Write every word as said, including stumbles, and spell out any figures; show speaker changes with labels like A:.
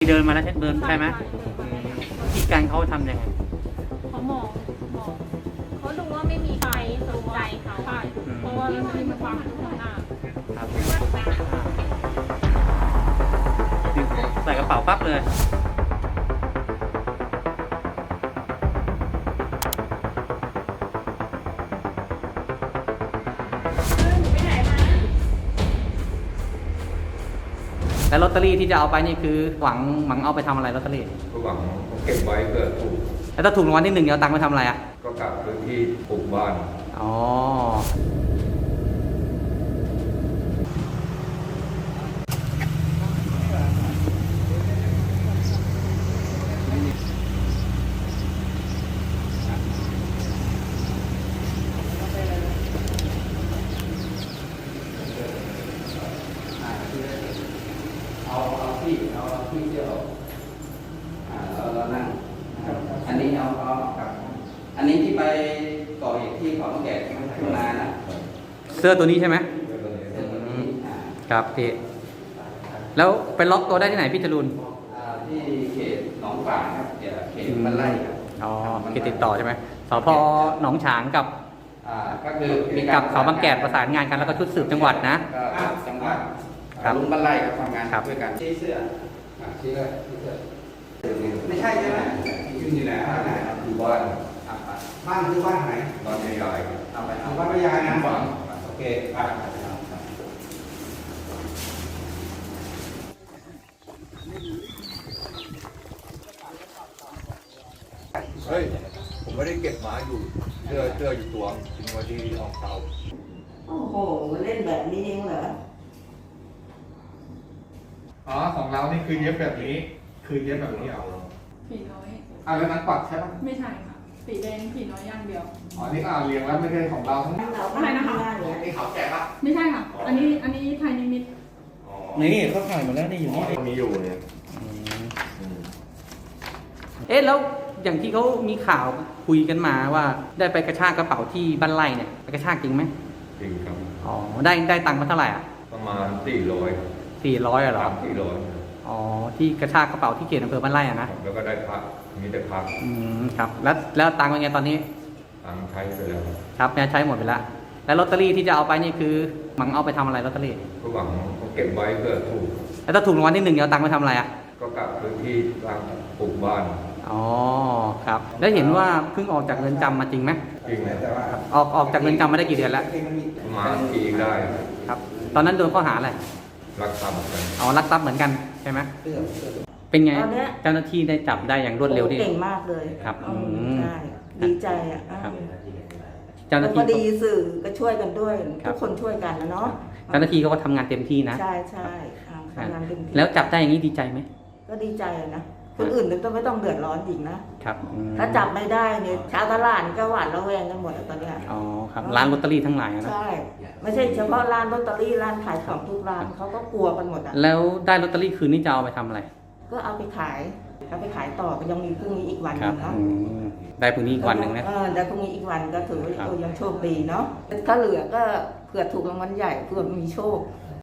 A: เดินมาแล้วเดินใช่ไหมวิธีการเขาทำยังไง
B: เขามองมองเขาดูว่าไม่มีใครสนใจเขาใช่เพราะว่าลอตเตอรี่มันวางอยู่ข้างหน้า
A: ครับใส่กระเป๋าปั๊บเลยแล้วลอตเตอรี่ที่จะเอาไปนี่คือหวังหวังเอาไปทำอะไรลอตเตอรี่
C: ก็หวังเก็บไว้เพื่อถูก
A: แล้วถ้าถูกรางวัลที่หนึ่งเอาตังค์ไปทำอะไรอ่ะ
C: ก็กลับพื้นที่ปลูกบ้าน
A: อ๋อเอาเอาที่เอาที่เที่ยวอ่าเราเรานั่งอันนี้เอาเอาครับอันนี้ที่ไปก่อเหตุที่เขาต้องแก่ที่มันนานนะเสื้อตัวนี้ใช่ไหมครับพี่แล้วไปล็อกตัวได้ที่ไหนพี่จรูนที่เขตหนองฝางครับเขตบ้านไร่ครับอ๋อเขตติดต่อใช่ไหมสพหนองฉางกับก็คือกับเขาบางแกดประสานงานกันแล้วก็ชุดสืบจังหวัดนะ
D: จังหวัดลุงบ้านไร่ครับทำงานด้วยกัน
C: ชี้เสื้อชี้เลยชี้เสื้อ
D: ไม่ใช่ใช่ไหม
C: ยืนอยู่ไหนบ้านไหนอยู่บ้าน
D: บ้านคือบ้านไหน
C: บ้านใหญ่
D: ๆเอาไปเอาบ้านใหญ่นะ
C: ฝัง
D: โอเคอ่ะ
C: เฮ้ยผมไม่ได้เก็บหมาอยู่เสื้อเสื้ออยู่ตัวทิ้งไว้ที่ห้องเช่า
E: โอ้โหเล่นแบบนี้เองเหรอ
D: อ๋อของเรานี่คือเย็บแบบนี้คือเย็บแบบนี้เอา
B: ผีน้อย
D: อ่าแล้วนั้นปักใช่ปะ
B: ไม่ใช่ค่ะสีแดงผีน้อยอย่างเดียว
D: อ๋อนี่อ่าเรียงแล้วไม่ใช่ของเราทั้งนั้น
B: อะไรนะคะ
D: นี่เขาแก่ปะ
B: ไม่ใช่ค่ะอันนี้อันนี้ไทยนิมิต
A: นี่เขาถ่ายมาแล้วนี่อยู่นี่
C: มีอยู่เนี่ย
A: เอ๊ะแล้วอย่างที่เขามีข่าวคุยกันมาว่าได้ไปกระชากกระเป๋าที่บ้านไร่เนี่ยไปกระชากจริงไหม
C: จริงครับ
A: อ๋อได้ได้ตังค์มาเท่าไหร่อ่ะ
C: ประมาณสี่ร้อย
A: สี่ร้อยเหรอ
C: สี่ร้อย
A: อ๋อที่กระชากกระเป๋าที่เขตอำเภอบ้านไร่อ่ะนะ
C: แล้วก็ได้พักมีแต่พัก
A: อืมครับแล้วแล้วตังค์เป็นไงตอนนี้
C: ตังค์ใช้ไปแล้ว
A: ครับเนี่ยใช้หมดไปแล้วแล้วลอตเตอรี่ที่จะเอาไปนี่คือหวังเอาไปทำอะไรลอตเตอรี่
C: ก็หวังเก็บไว้เพื่อถูก
A: แล้วถ้าถูกรางวัลที่หนึ่งเอาตังค์ไปทำอะไรอ่ะ
C: ก็กลับพื้นที่ทางปลูกบ้าน
A: อ๋อครับแล้วเห็นว่าเพิ่งออกจากเรือนจำมาจริงไหม
C: จริงแต่ว่า
A: ออกออกจากเรือนจำมาได้กี่เดือนแล้ว
C: ประมาณปีได้
A: ครับตอนนั้นโดนข้อหาอะไร
C: รักทรัพย์เหมือนกัน
A: อ๋อรักทรัพย์เหมือนกันใช่ไหมเป็นไงเจ้าหน้าที่ได้จับได้อย่างรวดเร็วที่
E: เก่งมากเลย
A: ครับ
E: ใช่ดีใจอ่ะ
A: เจ้าหน้าที่
E: ก็ดีสื่อก็ช่วยกันด้วยทุกคนช่วยกันนะเนาะ
A: เจ้าหน้าที่เขาก็ทำงานเต็มที่นะ
E: ใช่ใช่ทำงานเต็มที่
A: แล้วจับได้อย่างนี้ดีใจไหม
E: ก็ดีใจนะคนอื่นต้องไม่ต้องเดือดร้อนอีกนะครับถ้าจับไม่ได้เนี่ยชาวตลาดก็หวาดระแวงกันหมดตอนนี้
A: อ๋อครับร้านลอตเตอรี่ทั้งหลายนะ
E: ใช่ไม่ใช่เฉพาะร้านลอตเตอรี่ร้านขายของทุกร้านเขาก็กลัวกันหมดอ่ะ
A: แล้วได้ลอตเตอรี่คืนนี้จะเอาไปทำอะไร
E: ก็เอาไปขายเอาไปขายต่อก็ยังมีพรุ่งนี้อีกวันนึงเนาะ
A: ได้พรุ่งนี้อีกวันหนึ่งนะ
E: เออได้พรุ่งนี้อีกวันก็ถือว่ายังโชคดีเนาะถ้าเหลือก็เผื่อถูกรางวัลใหญ่เผื่อมีโชค